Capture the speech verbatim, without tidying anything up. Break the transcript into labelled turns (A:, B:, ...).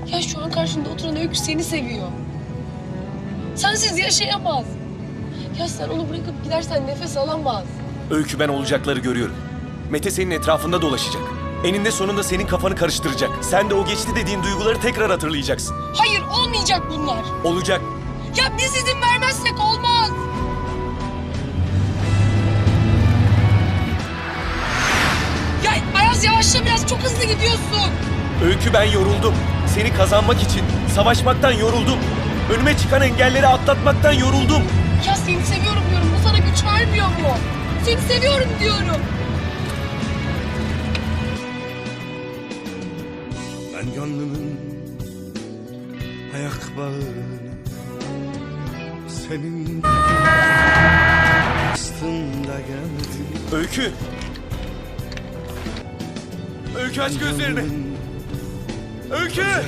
A: Ya şu an karşında oturan Öykü seni seviyor. Sensiz yaşayamaz. Ya sen onu bırakıp gidersen nefes alamaz.
B: Öykü, ben olacakları görüyorum. Mete senin etrafında dolaşacak. Eninde sonunda senin kafanı karıştıracak. Sen de o geçti dediğin duyguları tekrar hatırlayacaksın.
A: Hayır, olmayacak bunlar.
B: Olacak.
A: Ya biz izin vermezsek olmaz. Ya Ayaz, yavaşla biraz, çok hızlı gidiyorsun.
B: Öykü, ben yoruldum. Seni kazanmak için savaşmaktan yoruldum. Önüme çıkan engelleri atlatmaktan yoruldum.
A: Ya seni seviyorum diyorum, bu sana güç vermiyor mu? Seni seviyorum diyorum.
C: Ben gönlümün ayak bağını senin aslında geldim.
B: Öykü. Öykü, aç gözlerini. Öykü.